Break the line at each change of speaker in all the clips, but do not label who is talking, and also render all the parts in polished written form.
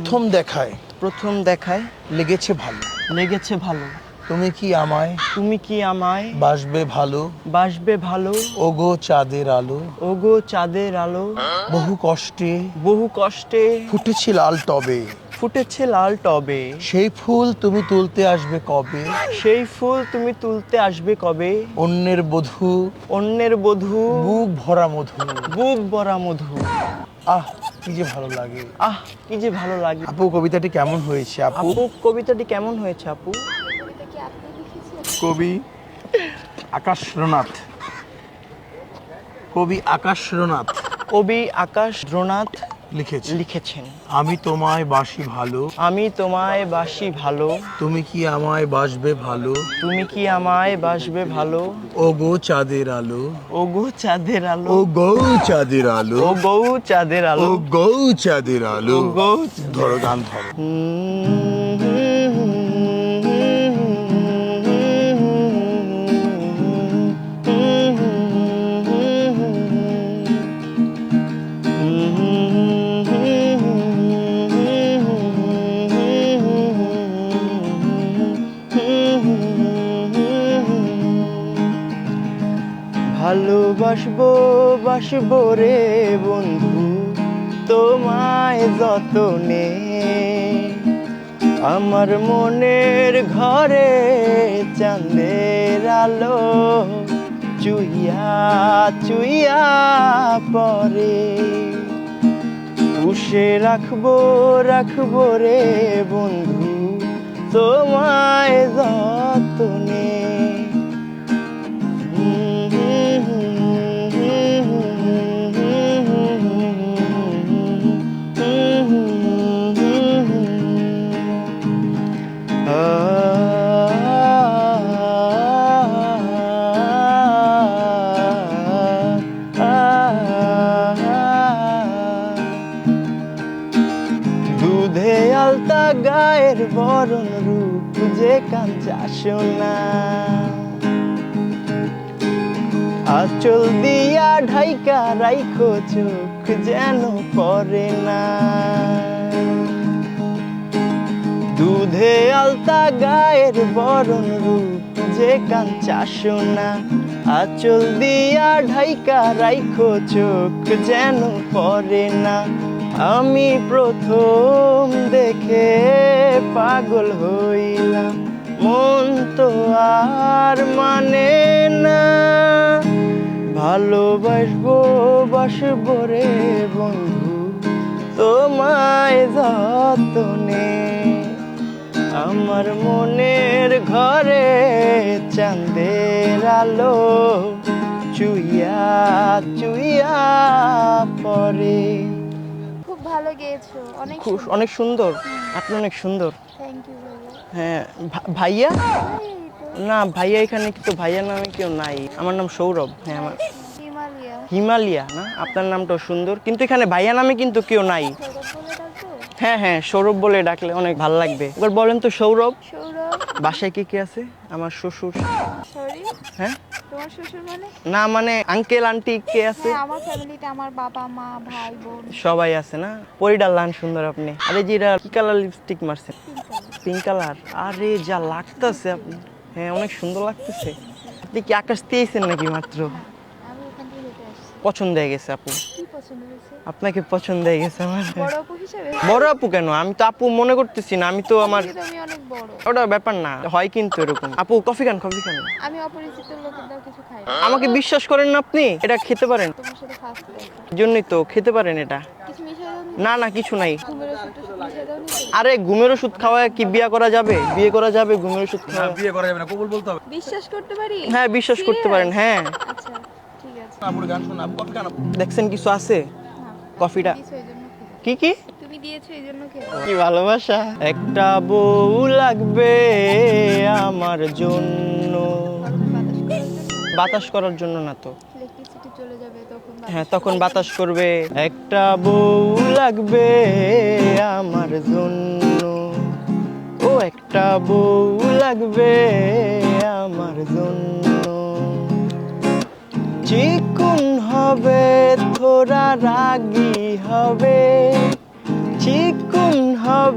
প্রথম দেখায়
লেগেছে ভালো। তুমি কি আমায় বাসবে ভালো ওগো চাঁদের আলো বহু কষ্টে ফুটেছে লাল টবে সেই ফুল তুমি তুলতে আসবে কবে অন্যের বধূ বুক ভরা মধু আহ কি যে ভালো লাগে আপু কবিতাটি কেমন হয়েছে আপু কবি আকাশ রনাথ লিখেছেন আমি তোমায় বাসি ভালো তুমি কি আমায় বাসবে ভালো ওগো চাঁদের আলো ধরো গান ধরো ভালোবাসবো রে বন্ধু তোমায় যতনে আমার মনের ঘরে চাঁদের আলো চুইয়া পরে পুষে রাখবো রে বন্ধু তোমায় যতনে দুধে আলতা গায়ের বরণ রূপ যে কাঞ্চা সোনা আঁচল দিয়া ঢাইকা রাইখো চোখ যেন পড়ে না দুধে আলতা গায়ের বরণ রূপ যে কাঞ্চা সোনা আঁচল দিয়া ঢাইকা রাইখো চোখ যেন পড়ে না আমি প্রথম দেখে পাগল হইলাম মন তো আর মানে না ভালোবাসবো রে বন্ধু তোমায় যতনে আমার মনের ঘরে চাঁদের আলো চুইয়া পরে
খুব ভালো গেয়েছো
অনেক সুন্দর আপনি অনেক সুন্দর
থ্যাংক ইউ
হ্যাঁ ভাইয়া না ভাইয়া এখানে তো ভাইয়া নামে কেউ নাই আমার নাম সৌরভ হ্যাঁ আমার হিমালয়া না আপনার নামটাও সুন্দর কিন্তু এখানে ভাইয়া নামে কিন্তু কেউ নাই হ্যাঁ সৌরভ বলে ডাকলে অনেক ভালো লাগবে এবার বলেন তো সৌরভ বাসায় কে আছে আমার শ্বশুর হ্যাঁ
তোমার শ্বশুর
না মানে আঙ্কেল আন্টি কে আছে
আমার ফ্যামিলিতে আমার বাবা মা ভাই বোন
সবাই আছে না পরিডাল লান সুন্দর আপনি আরে জিরা কি কালার লিপস্টিক মারছেন পিঙ্ক কালার আরে যা লাগতেছে আপনি হ্যাঁ অনেক সুন্দর লাগতেছে আপনি কি আকাশ দিয়েছেন নাকি মাত্র
আমি ওখান থেকে হেঁটে আসছি
পছন্দ হয়ে গেছে আপু
কি পছন্দ হয়েছে
আপনাকে পছন্দ হয়ে গেছে আমার
বড় আপু হিসেবে
বড় আপু কেন আমি তো আপু মনে করতেছি না আমি তো আমার
আমি অনেক বড়
ওটা ব্যাপার না হয় কিন্তু এরকম আপু কফি খান
আমি অপরিচিত লোকেদের কিছু খাই না
আমাকে বিশ্বাস করেন না আপনি এটা খেতে পারেন
তোমার সাথে ফার্স্ট দেখা
জন্যই তো খেতে পারেন এটা
কিছু মিশিয়ে দাও
না কিছু নাই
ঘুমের ওষুধ মিশিয়ে দাও নি
আরে ঘুমের ওষুধ খাওয়ায় কি বিয়ে করা যাবে ঘুমের ওষুধ খাওয়া
বিয়ে করা যাবে না কবুল বলতে হবে
বিশ্বাস করতে পারি
হ্যাঁ বিশ্বাস করতে পারেন হ্যাঁ
আচ্ছা ঠিক আছে
আপুর গান শোনা আপু কফি খান
দেখছেন কিছু আছে কফিটা কি
তুমি দিয়েছো এইজন্য
কি ভালোবাসা একটা বউ লাগবে আমার জন্য বাতাস করার জন্য না তো
ইলেকট্রিসিটি চলে যাবে তখন
হ্যাঁ তখন বাতাস করবে একটা বউ লাগবে আমার জন্য ও একটা বউ লাগবে আমার জন্য চিকুন হবে থোড়া রাগী হবে চিকুন হবে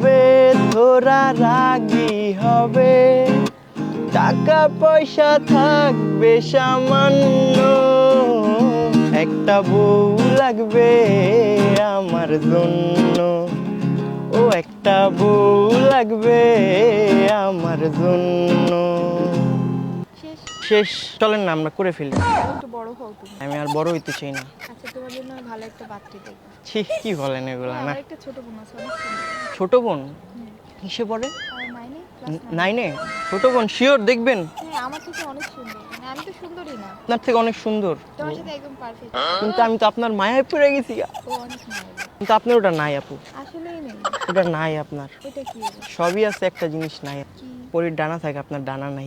ওরা রাগি হবে, টাকা পয়সা থাকবে সামান্য, একটা বউ লাগবে আমার জন্য, ও একটা বউ লাগবে আমার জন্য।
শেষ।
শেষ, চলেন না আমরা করে ফেলি।
একটু বড় হও তুমি।
আমি আর বড় হইতে চাই না।
আচ্ছা, তোমার জন্য আমি ভালো একটা পাত্রী দেখবো।
ছি, কি বলেন এগুলা না।
আমার একটা ছোট বোন আছে, অনেক সুন্দর।
ছোট বোন কিসে পড়ে?
আর নাইনে, ক্লাস 9।
নাইনে? ছোট বোন শিওর দেখবেন?
হ্যাঁ, আমার থেকে অনেক সুন্দর। মানে আমি তো সুন্দরই না,
আপনার থেকে অনেক সুন্দর,
তোমার সাথে একদম পারফেক্ট।
কিন্তু আমি তো আপনার মায়ায় পড়ে গেছি।
ও অনেক মায়াবী।
কিন্তু আপনার ওটা নাই আপু,
আসলেই নেই।
ওটা নাই আপনার।
এটা কি?
সবই আছে, একটা জিনিস নাই।
কি?
পরীর ডানা থাকে, আপনার ডানা নাই।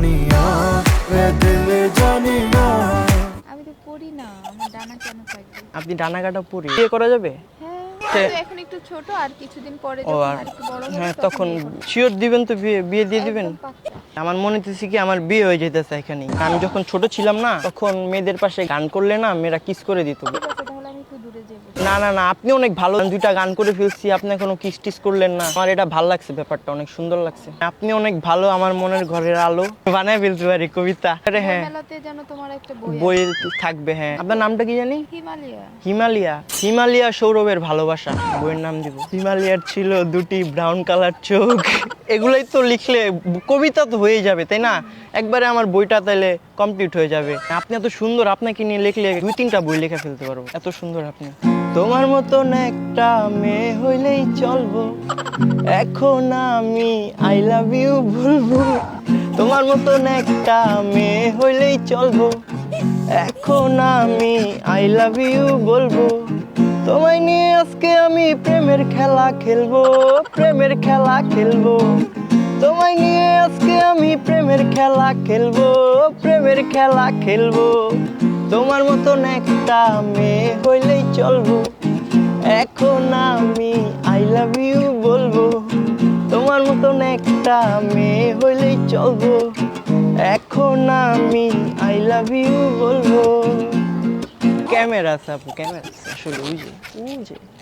আমি তো পড়ি না, আমার ডানা কেন থাকবে?
আপনি ডানা কাটা পরি, বিয়ে করা যাবে?
হ্যাঁ, তো এখন একটু ছোট, আর কিছুদিন পরে
ও
যখন
আর
আরেকটু বড় হবে
হ্যাঁ, তখন শিওর দিবেন তো? বিয়ে বিয়ে দিয়ে দিবেন?
একদম পাক্কা।
আমার মনে হচ্ছে কি আমার বিয়ে হয়ে যেতেছে এখানে। আমি যখন ছোট ছিলাম না, তখন মেয়েদের পাশে গান করলে না মেয়েরা কিস করে দিত।
ঠিক আছে, তাহলে আমি একটু দূরে যাবো।
না না না, আপনি অনেক ভালো, আমি দুইটা গান করে ফেলছি, আপনি এখনো কিস টিস করলেন না। আমার এটা ভালো লাগছে, ব্যাপারটা অনেক সুন্দর লাগছে। আপনি অনেক ভালো, আমার মনের ঘরের আলো বানায় ফেলতে পারি কবিতা। আরে হ্যাঁ,
মেলাতে যেন তোমার একটা বই আছে।
বই থাকবে। হ্যাঁ, আপনার নামটা কি জানি?
হিমালয়া।
হিমালয়া। হিমালয়া সৌরভের ভালোবাসা বইয়ের নাম দিব। হিমালয়ার ছিল দুটি ব্রাউন কালার চোখ। এগুলোই তো লিখলে কবিতা তো হয়ে যাবে, তাই না? একবারে আমার বইটা তাইলে কমপ্লিট হয়ে যাবে। আপনি এত সুন্দর, আপনাকে নিয়ে লিখলে 2-3টা বই লিখে ফেলতে পারবো, এত সুন্দর আপনি। তোমার মতন একটা মেয়ে হইলেই চলবো, এখন আমি আই লাভ ইউ বলবো। তোমার মতন একটা মেয়ে হইলেই চলবো, এখন আমি আই লাভ ইউ বলবো। তোমায় নিয়ে আজকে আমি প্রেমের খেলা খেলবো, প্রেমের খেলা খেলবো। তোমায় নিয়ে আজকে আমি প্রেমের খেলা খেলবো, প্রেমের খেলা খেলবো। তোমার মতন একটা মেয়ে হইলেই চলবো, এখন আমি আই লাভ ইউ বলবো। তোমার মতন একটা মেয়ে হইলেই চলবো, এখন আমি আই লাভ ইউ বলবো। ক্যামেরা আছে আপু, ক্যামেরা আছে আসলে, ওই যে